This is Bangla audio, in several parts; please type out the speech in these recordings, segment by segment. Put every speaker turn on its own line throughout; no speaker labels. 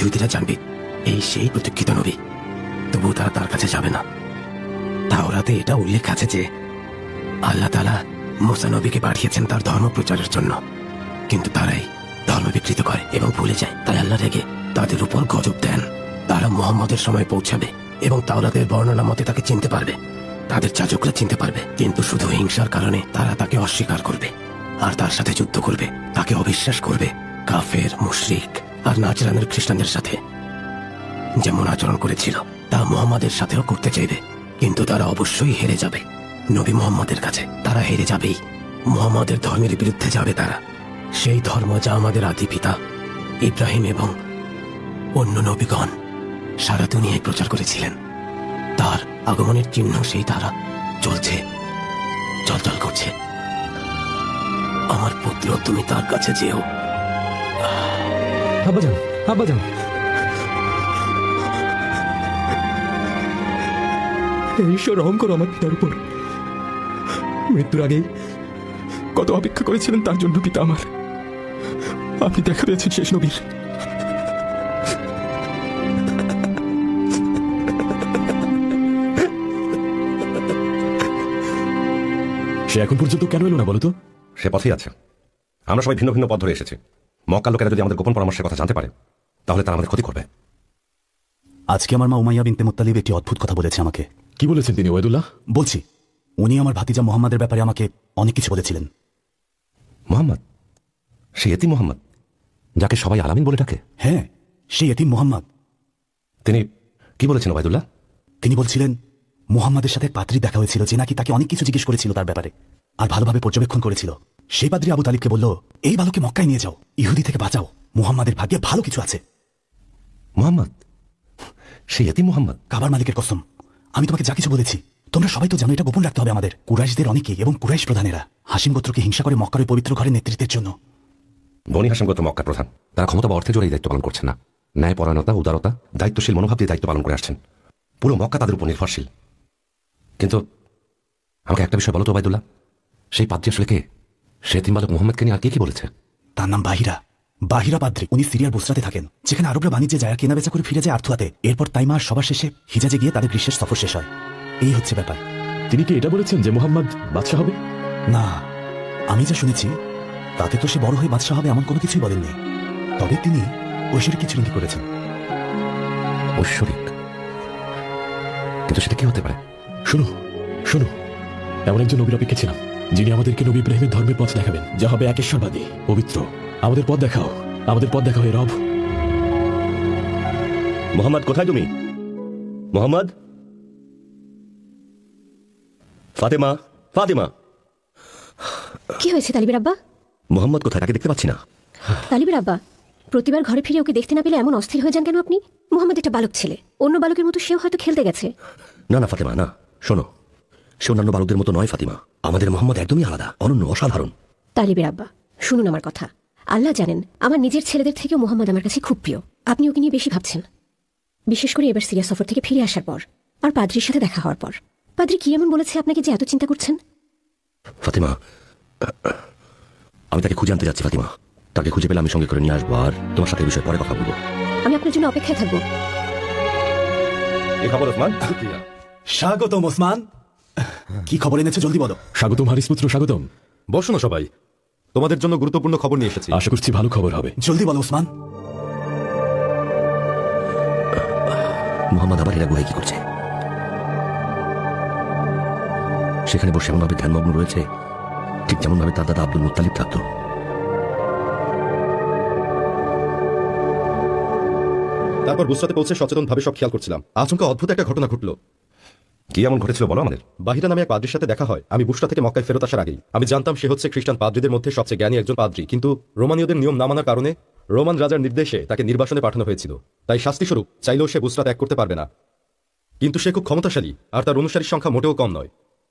ইহুদিরা জানবে এই সেই প্রতীক্ষিত নবী, তবু তারা তার কাছে যাবে না। তাওরাতে এটা উল্লেখ আছে যে আল্লাহ তাআলা মুসা নবীকে পাঠিয়েছেন তার ধর্ম প্রচারের জন্য, কিন্তু তারাই ধর্ম বিকৃত করে এবং ভুলে যায়। তাই আল্লাহ রেগে তাদের উপর গজব দেন। তারা মুহাম্মদের সময় পৌঁছাবে এবং তাওরাতের বর্ণনা মতে তাকে চিনতে পারবে, তাদের যাজকরা চিনতে পারবে, কিন্তু শুধু হিংসার কারণে তারা তাকে অস্বীকার করবে আর তার সাথে যুদ্ধ করবে, তাকে অবিশ্বাস করবে। কাফের, মুশরিক আর নাজরানের খ্রিস্টানদের সাথে যেমন আচরণ করেছিল তা মুহাম্মাদের সাথেও করতে চাইবে, কিন্তু তারা অবশ্যই হেরে যাবে। নবী মুহাম্মাদের কাছে তারা হেরে যাবেই। মুহাম্মাদের ধর্মের বিরুদ্ধে যাবে তারা, সেই ধর্ম যা আমাদের আদি পিতা ইব্রাহিম এবং অন্য নবীগণ সারা দুনিয়ায় প্রচার করেছিলেন। তার আগমনের চিহ্ন সেই তারা চলছে, চলচল করছে। আমার পুত্র, তুমি তার কাছে যেও।
আব্বাজান, আব্বাজান, ঈশ্বর রহম করো আমার পিতার উপর। মৃত্যুর আগেই কত অপেক্ষা করেছিলেন তার জন্য পিতা আমার। আপনি দেখা পেয়েছেন শেষ নবীর। সে এখন পর্যন্ত কেন এলো না বলো তো?
সে পথেই আছে। আমরা সবাই ভিন্ন ভিন্ন পথ ধরে এসেছি। মক্কার লোকেরা যদি আমাদের গোপন পরামর্শের কথা জানতে পারে তাহলে তারা আমাদের ক্ষতি করবে।
আজকে আমার মা উমাইয়া বিনতে মুত্তালিব একটি অদ্ভুত কথা বলেছে আমাকে।
কি বলেছেন তিনি ওয়াইদুল্লাহ?
বলছি, উনি আমার ভাতিজা মোহাম্মদের ব্যাপারে আমাকে অনেক কিছু বলেছিলেন।
মোহাম্মদ? সে এতিম মোহাম্মদ যাকে সবাই আলামিন বলে ডাকে?
হ্যাঁ, সেই এতিম মোহাম্মদ।
তিনি কি বলেছেন ওবায়দুল্লাহ?
তিনি বলছিলেন মোহাম্মদের সাথে এক পাদ্রী দেখা হয়েছিল যে নাকি তাকে অনেক কিছু জিজ্ঞেস করেছিল তার ব্যাপারে আর ভালোভাবে পর্যবেক্ষণ করেছিল। সেই পাদ্রী আবু তালিবকে বলল, এই বালককে মক্কায় নিয়ে যাও, ইহুদি থেকে বাঁচাও, মুহাম্মাদের ভাগ্যে ভালো কিছু আছে।
মোহাম্মদ? সে এতিম মোহাম্মদ?
কাবার মালিকের কসম, আমি তোমাকে যা কিছু বলেছি তোমরা সবাই তো জানো এটা গোপন রাখতে হবে আমাদের। কুরাইশদের অনেকেই এবং কুরাইশ প্রধানেরা হাসিম গোত্রকে হিংসা করে মক্কার ওই পবিত্র ঘরের নেতৃত্বের জন্য।
বনি হাসিম গোত্র মক্কার প্রধান। তারা ক্ষমতা বা অর্থে জোরেই দায়িত্ব পালন করছেন না। ন্যায় পরায়ণতা, উদারতা, দায়িত্বশীল মনোভাব দিয়ে দায়িত্ব পালন করে আসছেন। পুরো মক্কা তাদের উপর নির্ভরশীল। কিন্তু আমাকে একটা বিষয় বলো তো ওবায়দুল্লাহ, সেই পাদ্রী আসলে কে? সে এতিম বালক মুহাম্মদকে নিয়ে আর কে কি বলেছে?
তার নাম বাহিরা, বাহিরা পাদ্রী। উনি সিরিয়ার বুসরাতে থাকেন, যেখানে আরবরা বাণিজ্যে যায় আর কেনাবেচা করে ফিরে যায় আর্থুয়াতে। এরপর তাইমা আর সবার শেষে হিজাজে গিয়ে তাদের গ্রীষ্মের সফর শেষ হয়। এই হচ্ছে ব্যাপার।
তিনি কি এটা বলেছেন যে মুহাম্মদ বাদশাহ হবে?
না, আমি যা শুনেছি তাতে তো সে বড় হয়ে বাদশাহ হবে এমন কোনো কিছুই বলেননি। তবে তিনি ঐশ্বরিক কিছু ইঙ্গিত করেছেন।
ঐশ্বরিক? কিন্তু সেটা কি হতে পারে?
শুনো শুনো, এমন একজন নবীর অপেক্ষা ছিলাম যিনি আমাদেরকে নবী ইব্রাহিমের ধর্মের পথ দেখাবেন, যা হবে একেশ্বরবাদী, পবিত্র। আমাদের পথ দেখাও, আমাদের পথ দেখাও হে রব।
মোহাম্মদ, কোথায় তুমি? মোহাম্মদ? ফাতেমা, ফাতেমা!
কি হয়েছে তালিবের আব্বা?
মোহাম্মদ কোথায়? তাকে দেখতে পাচ্ছি না।
তালিবের আব্বা, প্রতিবার ঘরে ফিরে ওকে দেখতে না পেলে এমন অস্থির হয়ে যান কেন আপনি? মোহাম্মদ একটা বালক ছেলে, অন্য বালকের মতো সেও হয়তো খেলতে গেছে।
না না ফাতেমা, না। শোনো, সে অন্যান্য বালকদের মতো নয় ফাতিমা। আমাদের মোহাম্মদ একদমই আলাদা, অনন্য, অসাধারণ।
তালিবের আব্বা, শুনুন আমার কথা। আল্লাহ জানেন আমার নিজের ছেলেদের থেকেও মোহাম্মদ আমার কাছে খুব প্রিয়। আপনি ওকে নিয়ে বেশি ভাবছেন, বিশেষ করে এবার সিরিয়া সফর থেকে ফিরে আসার পর আর পাদ্রির সাথে দেখা হওয়ার পর। পাদ্রি কি এমন বলেছে আপনাকে যে এত চিন্তা করছেন?
ফাতিমা, আমি তাকে খুঁজে আনতে যাচ্ছি ফাতিমা। তাকে খুঁজে পেলে আমি সঙ্গে করে নিয়ে আসবো আর তোমার সাথে এই বিষয়ে পরে কথা বলবো।
আমি আপনার জন্য অপেক্ষায় থাকবো।
এই খবর ওসমান।
স্বাগতম ওসমান। কি খবর এনেছো জলদি বলো।
স্বাগতম হারিস পুত্র, স্বাগতম।
বসো না সবাই, তোমাদের জন্য গুরুত্বপূর্ণ খবর নিয়ে এসেছি।
আশা করছি ভালো খবর হবে।
জলদি বলো ওসমান।
মোহাম্মদ আবার এরা গুহায় কি করছে? সেখানে বসে এমনভাবে ধ্যানমগ্ন রয়েছে ঠিক যেমন ভাবে তার দাদা আব্দুল মুত্তালিব থাকতো।
তারপর বুসরাতে পৌঁছে সচেতন ভাবে সব খেয়াল করছিলাম। আচমকা অদ্ভুত একটা ঘটনা ঘটলো।
কি এমন ঘটেছিল বলো আমাদের।
বাহিরা নামে এক পাদ্রির সাথে দেখা হয় আমি বুসরা থেকে মক্কায় ফেরত আসার আগেই। আমি জানতাম সে হচ্ছে খ্রিস্টান পাদ্রীদের মধ্যে সবচেয়ে জ্ঞানী একজন পাদ্রী, কিন্তু রোমানীয়দের নিয়ম না মানার কারণে রোমান রাজার নির্দেশে তাকে নির্বাসনে পাঠানো হয়েছিল। তাই শাস্তিস্বরূপ চাইলেও সে বুসরা ত্যাগ করতে পারবে না। কিন্তু সে খুব ক্ষমতাশালী আর তার অনুসারীর সংখ্যা মোটেও কম নয়।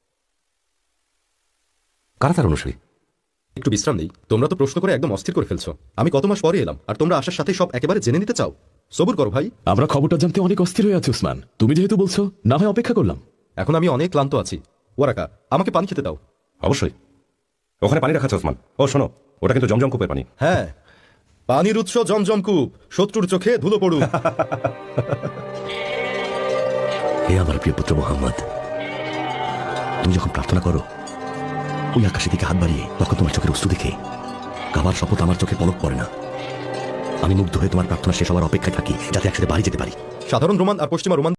কারা তার অনুসারী?
একটু বিশ্রাম নেই, তোমরা তো প্রশ্ন করে একদম অস্থির করে ফেলছো। আমি কত মাস পরে এলাম আর তোমরা আসার সাথে সব একেবারে জেনে নিতে চাও। সবুর করো ভাই।
আমরা খবরটা জানতে অনেক অস্থির হয়ে আছি উসমান। তুমি যেহেতু বলছো, না হয় অপেক্ষা করলাম।
এখন আমি অনেক ক্লান্ত আছি। ওয়ারাকা, আমাকে পানি খেতে দাও।
অবশ্যই, ওখানে পানি রাখা আছে ওসমান। ও শোনো, ওটা কিন্তু জমজম কূপের পানি।
হ্যাঁ, পানির উৎস জমজমকূপ, শত্রুর চোখে ধুলো পড়ুক।
হে আমার প্রিয় পুত্র মোহাম্মদ, তুমি যখন প্রার্থনা করো ওই আকাশের দিকে হাত বাড়িয়ে, তখন তোমার চোখের অশ্রু দেখে কাবার শপথ আমার চোখে পলক পড়ে না। আমি মুগ্ধ হয়ে তোমার প্রার্থনা শেষ হওয়ার অপেক্ষায় থাকি, যাতে একসাথে বাড়ি যেতে পারি।
সাধারণ রোমান আর পশ্চিমা রোমান